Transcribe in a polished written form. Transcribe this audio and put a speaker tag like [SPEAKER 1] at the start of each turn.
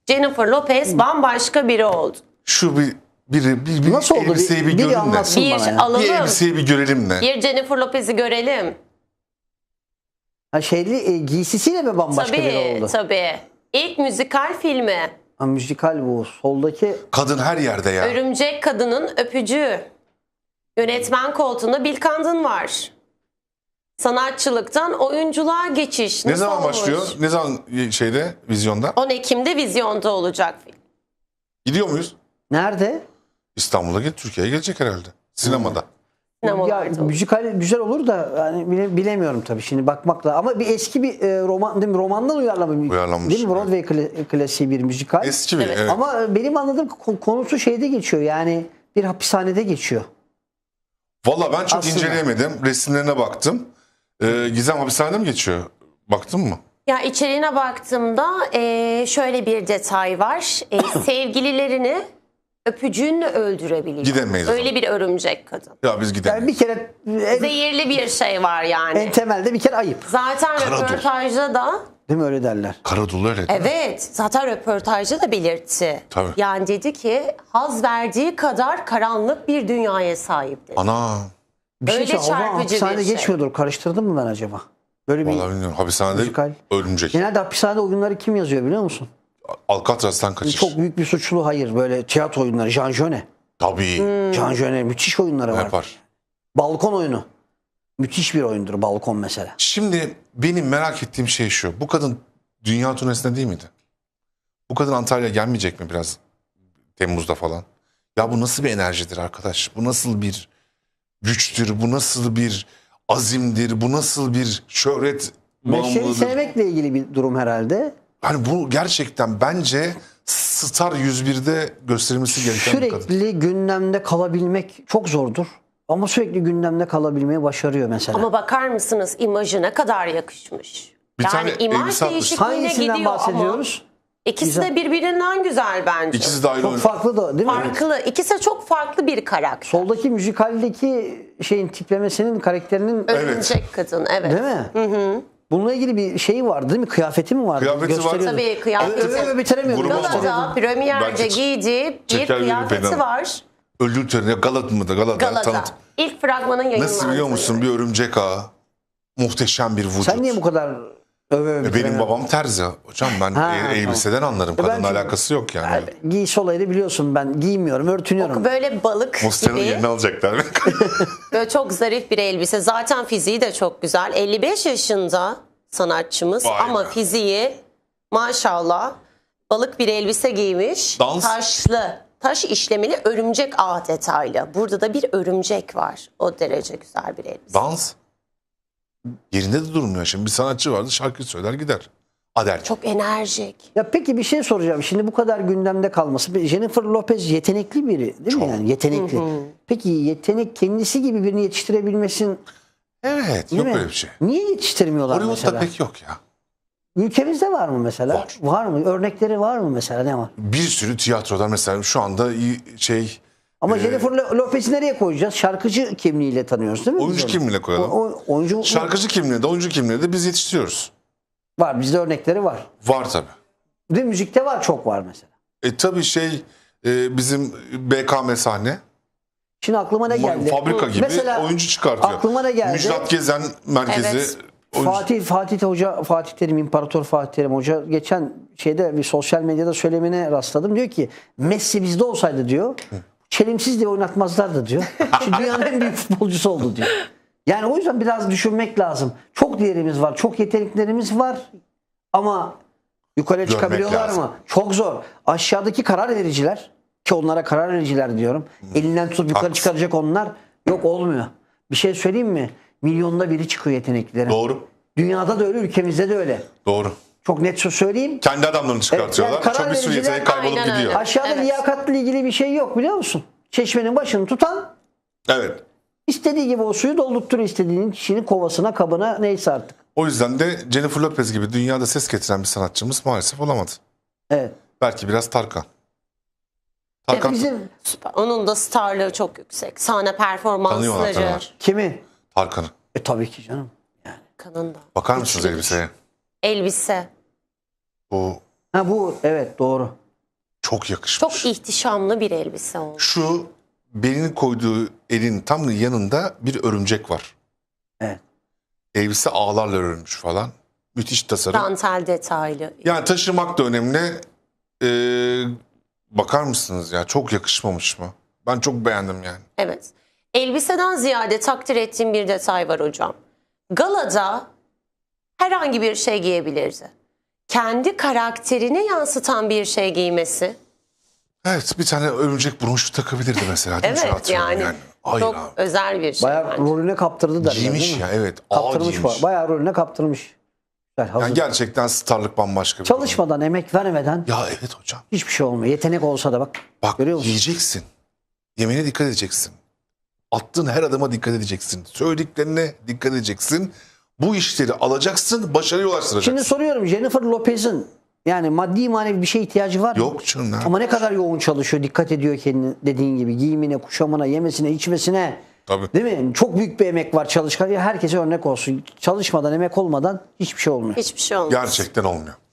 [SPEAKER 1] Jennifer Lopez bambaşka biri oldu.
[SPEAKER 2] Şu bir
[SPEAKER 3] Nasıl oldu?
[SPEAKER 2] elbiseyi bir
[SPEAKER 3] Biri
[SPEAKER 2] görün de.
[SPEAKER 3] anlatsın bana ya.
[SPEAKER 1] alalım.
[SPEAKER 2] Bir elbiseyi bir görelim de.
[SPEAKER 1] Bir Jennifer Lopez'i görelim.
[SPEAKER 3] Ha giysisiyle mi bambaşka biri oldu?
[SPEAKER 1] Tabii. İlk müzikal filmi.
[SPEAKER 3] Ha, müzikal bu. Soldaki
[SPEAKER 2] Kadın her yerde ya.
[SPEAKER 1] Örümcek Kadının Öpücüğü. Yönetmen koltuğunda Bill Condon var. Sanatçılıktan oyunculuğa geçiş.
[SPEAKER 2] Ne
[SPEAKER 1] Nasıl
[SPEAKER 2] zaman
[SPEAKER 1] olmuş?
[SPEAKER 2] başlıyor? Ne zaman vizyonda?
[SPEAKER 1] 10 Ekim'de vizyonda olacak film.
[SPEAKER 2] Gidiyor muyuz?
[SPEAKER 3] nerede?
[SPEAKER 2] İstanbul'a Türkiye'ye gelecek herhalde. Sinemada.
[SPEAKER 3] Ya
[SPEAKER 1] Sinemalarda.
[SPEAKER 3] müzikal güzel olur da yani bilemiyorum tabii şimdi bakmakla. Ama bir eski bir roman değil mi? Romandan
[SPEAKER 2] Uyarlanmış,
[SPEAKER 3] değil mi? Broadway klasiği bir müzikal.
[SPEAKER 2] Eski bir.
[SPEAKER 1] Evet.
[SPEAKER 2] Evet.
[SPEAKER 3] Ama benim anladığım konusu şeyde geçiyor. Yani bir hapishanede geçiyor.
[SPEAKER 2] Valla ben çok
[SPEAKER 3] Aslında.
[SPEAKER 2] inceleyemedim. Resimlerine baktım. Gizem hapishanede mi geçiyor? Baktın mı?
[SPEAKER 1] Ya içeriğine baktığımda şöyle bir detay var. Sevgililerini öpücüğünle öldürebiliyor.
[SPEAKER 2] Gidemeyiz o
[SPEAKER 1] Öyle
[SPEAKER 2] zaman.
[SPEAKER 1] bir örümcek kadın.
[SPEAKER 2] Ya biz gidelim.
[SPEAKER 3] Yani bir kere
[SPEAKER 1] Zehirli bir şey var yani.
[SPEAKER 3] en temelde bir kere ayıp.
[SPEAKER 1] Zaten
[SPEAKER 2] Karadul.
[SPEAKER 1] röportajda da
[SPEAKER 3] Değil mi öyle derler?
[SPEAKER 2] Karadolu öyle değil mi?
[SPEAKER 1] evet zaten röportajda da belirtti.
[SPEAKER 2] Tabii.
[SPEAKER 1] Yani dedi ki haz verdiği kadar karanlık bir dünyaya sahip dedi.
[SPEAKER 2] Ana.
[SPEAKER 3] Bir şey
[SPEAKER 1] Öyle
[SPEAKER 3] söyleyeyim, o zaman
[SPEAKER 1] çarpıcı bir
[SPEAKER 3] hapishanede
[SPEAKER 1] şey.
[SPEAKER 3] geçmiyordur. Karıştırdım mı ben acaba? Böyle bir
[SPEAKER 2] Valla bilmiyorum. Hapishanede
[SPEAKER 3] müzikal.
[SPEAKER 2] örümcek.
[SPEAKER 3] Genelde hapishanede oyunları kim yazıyor biliyor musun?
[SPEAKER 2] Alcatraz'tan kaçış.
[SPEAKER 3] Çok büyük bir suçlu hayır. Böyle tiyatro oyunları. Jean Genet.
[SPEAKER 2] Tabii.
[SPEAKER 3] Jean Genet müthiş oyunları var.
[SPEAKER 2] Yapar.
[SPEAKER 3] Balkon oyunu. Müthiş bir oyundur balkon mesela.
[SPEAKER 2] Şimdi benim merak ettiğim şey şu. Bu kadın dünya turnesinde değil miydi? Bu kadın Antalya'ya gelmeyecek mi biraz Temmuz'da falan? Ya bu nasıl bir enerjidir arkadaş? Bu nasıl bir güçtür? Bu nasıl bir azimdir? Bu nasıl bir şöhret
[SPEAKER 3] Mesleği
[SPEAKER 2] bağımlılığıdır?
[SPEAKER 3] sevmekle ilgili bir durum herhalde.
[SPEAKER 2] Hani bu gerçekten bence Star 101'de gösterilmesi gereken bir kadın.
[SPEAKER 3] Sürekli gündemde kalabilmek çok zordur. Ama sürekli gündemde kalabilmeyi başarıyor mesela.
[SPEAKER 1] Ama bakar mısınız imajı ne kadar yakışmış.
[SPEAKER 2] Bir
[SPEAKER 1] yani
[SPEAKER 2] tane
[SPEAKER 1] imaj
[SPEAKER 2] elbise atmış.
[SPEAKER 1] değişikliğine
[SPEAKER 3] Hangisinden
[SPEAKER 1] gidiyor
[SPEAKER 3] bahsediyoruz?
[SPEAKER 1] ama ikisi de birbirinden güzel bence.
[SPEAKER 2] İkisi de ayrı
[SPEAKER 3] Çok
[SPEAKER 2] oynuyor.
[SPEAKER 3] farklı da değil mi?
[SPEAKER 1] Farklı. İkisi de çok farklı bir karakter.
[SPEAKER 3] Soldaki müzikaldeki şeyin tiplemesinin karakterinin
[SPEAKER 1] Örümcek kadın evet.
[SPEAKER 3] değil mi? Bununla ilgili bir şey vardı değil mi? Kıyafeti mi vardı?
[SPEAKER 2] Kıyafeti var.
[SPEAKER 3] Gösteriyordu.
[SPEAKER 1] Tabii kıyafeti.
[SPEAKER 3] Öve bitiremiyordu.
[SPEAKER 2] Grubu
[SPEAKER 3] Gösteriyordu.
[SPEAKER 1] Galata premierde
[SPEAKER 2] Bence
[SPEAKER 1] giydiği bir
[SPEAKER 2] çeker verir
[SPEAKER 1] kıyafeti
[SPEAKER 2] fena.
[SPEAKER 1] var.
[SPEAKER 2] Öldür töreni Galata mıdır? Galata.
[SPEAKER 1] Galata. İlk fragmanın yayınlandığı.
[SPEAKER 2] Nasıl biliyor musun? Bir örümcek ağı. Muhteşem bir vücut.
[SPEAKER 3] Sen niye bu kadar öve
[SPEAKER 2] Benim
[SPEAKER 3] bitiremiyorsun?
[SPEAKER 2] babam terzi. Hocam ben
[SPEAKER 3] Ha,
[SPEAKER 2] elbiseden anlarım.
[SPEAKER 3] Ben
[SPEAKER 2] Kadınla
[SPEAKER 3] çünkü-
[SPEAKER 2] alakası yok yani.
[SPEAKER 3] Giysi olayını biliyorsun, ben giymiyorum, örtünüyorum.
[SPEAKER 1] Böyle balık
[SPEAKER 2] Mustafa'nın
[SPEAKER 1] gibi.
[SPEAKER 2] yerini alacaklar.
[SPEAKER 1] Böyle çok zarif bir elbise. Zaten fiziği de çok güzel. 55 yaşında sanatçımız
[SPEAKER 2] Vay
[SPEAKER 1] ama
[SPEAKER 2] be.
[SPEAKER 1] fiziği maşallah balık bir elbise giymiş.
[SPEAKER 2] Dans.
[SPEAKER 1] Taşlı, taş işlemeli örümcek ağ detaylı. Burada da bir örümcek var. O derece güzel bir elbise.
[SPEAKER 2] Dans. Yerinde de durmuyor. Şimdi bir sanatçı vardı, şarkı söyler gider. Adel.
[SPEAKER 1] Çok enerjik.
[SPEAKER 3] Ya peki bir şey soracağım. Şimdi bu kadar gündemde kalması. Jennifer Lopez yetenekli biri değil mi yani? Yetenekli. Peki yetenek kendisi gibi birini yetiştirebilmesin
[SPEAKER 2] Evet,
[SPEAKER 3] değil
[SPEAKER 2] yok
[SPEAKER 3] mi?
[SPEAKER 2] öyle bir şey.
[SPEAKER 3] Niye yetiştirmiyorlar
[SPEAKER 2] Hollywood'da
[SPEAKER 3] mesela?
[SPEAKER 2] pek yok ya.
[SPEAKER 3] Ülkemizde var mı mesela?
[SPEAKER 2] Var.
[SPEAKER 3] Var mı? Örnekleri var mı mesela? Ne var?
[SPEAKER 2] Bir sürü tiyatroda mesela şu anda şey
[SPEAKER 3] Ama Jennifer Lopez'i nereye koyacağız? Şarkıcı kimliğiyle tanıyoruz değil mi?
[SPEAKER 2] oyuncu
[SPEAKER 3] biz onu?
[SPEAKER 2] kimliğine koyalım.
[SPEAKER 3] Oyuncu
[SPEAKER 2] Şarkıcı kimliğinde, oyuncu kimliğinde biz yetiştiriyoruz.
[SPEAKER 3] var. Bizde örnekleri var.
[SPEAKER 2] Var tabii.
[SPEAKER 3] Ve müzikte var, çok var mesela.
[SPEAKER 2] Tabii bizim BKM sahne.
[SPEAKER 3] Şimdi aklıma ne geldi?
[SPEAKER 2] Fabrika gibi
[SPEAKER 3] Mesela
[SPEAKER 2] oyuncu çıkartıyor.
[SPEAKER 3] aklıma ne geldi?
[SPEAKER 2] Müjdat Gezen merkezi.
[SPEAKER 1] Evet.
[SPEAKER 2] oyuncu-
[SPEAKER 3] Fatih Terim, İmparator Fatih Terim Hoca geçen şeyde bir sosyal medyada söylemine rastladım. Diyor ki Messi bizde olsaydı diyor, çelimsiz diye oynatmazlardı diyor. Şimdi dünyanın en büyük futbolcusu oldu diyor. Yani o yüzden biraz düşünmek lazım. Çok değerimiz var, çok yeteneklerimiz var ama yukarıya
[SPEAKER 2] Görmek
[SPEAKER 3] çıkabiliyorlar
[SPEAKER 2] lazım.
[SPEAKER 3] mı? Çok zor. Aşağıdaki karar vericiler, ki onlara karar vericiler diyorum. Elinden tutup yukarı
[SPEAKER 2] Haklısın.
[SPEAKER 3] çıkaracak onlar, yok olmuyor. Bir şey söyleyeyim mi? Milyonda biri çıkıyor yeteneklilerin.
[SPEAKER 2] Doğru.
[SPEAKER 3] Dünyada da öyle, ülkemizde de öyle.
[SPEAKER 2] Doğru.
[SPEAKER 3] Çok net söyleyeyim.
[SPEAKER 2] Kendi adamlarını çıkartıyorlar.
[SPEAKER 3] Evet, yani karar
[SPEAKER 2] Çok bir sürü
[SPEAKER 3] vericiler-
[SPEAKER 2] yetenek kaybolup
[SPEAKER 1] Aynen öyle.
[SPEAKER 2] gidiyor.
[SPEAKER 3] Aşağıda
[SPEAKER 1] Evet.
[SPEAKER 3] liyakatla ilgili bir şey yok biliyor musun? Çeşmenin başını tutan
[SPEAKER 2] Evet.
[SPEAKER 3] istediği gibi o suyu doldurtturuyor istediğinin kişinin kovasına, kabına, neyse artık.
[SPEAKER 2] O yüzden de Jennifer Lopez gibi dünyada ses getiren bir sanatçımız maalesef olamadı.
[SPEAKER 3] Evet.
[SPEAKER 2] Belki biraz Tarkan. Tarkan
[SPEAKER 3] Bizim
[SPEAKER 1] Süper. Onun da starlığı çok yüksek. Sahne
[SPEAKER 2] tanıyorlar
[SPEAKER 1] performansları
[SPEAKER 2] tanıyorlar.
[SPEAKER 3] kimi?
[SPEAKER 2] Tarkan'ı.
[SPEAKER 3] Tabii ki canım.
[SPEAKER 1] kanında.
[SPEAKER 2] Bakar mısınız elbiseye?
[SPEAKER 1] Elbise.
[SPEAKER 2] Bu
[SPEAKER 3] Ha bu evet doğru.
[SPEAKER 2] Çok yakışmış.
[SPEAKER 1] Çok ihtişamlı bir elbise oldu.
[SPEAKER 2] Şu belinin koyduğu elin tam yanında bir örümcek var.
[SPEAKER 3] Evet.
[SPEAKER 2] Elbise ağlarla örülmüş falan. Müthiş tasarım.
[SPEAKER 1] Dantel detaylı.
[SPEAKER 2] Yani taşımak da önemli. Bakar mısınız ya? Çok yakışmamış mı? Ben çok beğendim yani.
[SPEAKER 1] Evet. Elbiseden ziyade takdir ettiğim bir detay var hocam. Galada herhangi bir şey giyebilirdi. Kendi karakterini yansıtan bir şey giymesi.
[SPEAKER 2] Evet, bir tane örümcek bronşu takabilirdi mesela. Değil mi? Şöyle
[SPEAKER 1] Evet
[SPEAKER 2] atıyorum
[SPEAKER 1] yani
[SPEAKER 2] Hayır
[SPEAKER 1] çok
[SPEAKER 2] abi.
[SPEAKER 1] özel bir şey.
[SPEAKER 3] Bayağı
[SPEAKER 1] bence.
[SPEAKER 3] rolüne kaptırdı derler
[SPEAKER 2] Giymiş
[SPEAKER 3] değil mi?
[SPEAKER 2] ya, evet. Ağır
[SPEAKER 3] Kaptırmış
[SPEAKER 2] giymiş.
[SPEAKER 3] bayağı rolüne kaptırmış. Güzel, hazır.
[SPEAKER 2] Yani gerçekten starlık bambaşka bir
[SPEAKER 3] Çalışmadan, emek vermeden
[SPEAKER 2] durum. Ya evet hocam.
[SPEAKER 3] hiçbir şey olmuyor. Yetenek olsa da bak.
[SPEAKER 2] Bak
[SPEAKER 3] Görüyor musun?
[SPEAKER 2] yiyeceksin. Yemeğine dikkat edeceksin. Attığın her adıma dikkat edeceksin. Söylediklerine dikkat edeceksin. Bu işleri alacaksın, başarıya ulaştıracaksın.
[SPEAKER 3] Şimdi soruyorum, Jennifer Lopez'in yani maddi manevi bir şeye ihtiyacı var mı?
[SPEAKER 2] Yok canım. ne
[SPEAKER 3] Ama ne kadar yoğun çalışıyor, dikkat ediyor kendine, dediğin gibi giyimine, kuşamına, yemesine, içmesine.
[SPEAKER 2] Tabii.
[SPEAKER 3] Değil mi? Çok büyük bir emek var çalışkan. Ya herkese örnek olsun. Çalışmadan, emek olmadan hiçbir şey olmuyor.
[SPEAKER 1] Hiçbir şey olmaz.
[SPEAKER 2] Gerçekten olmuyor.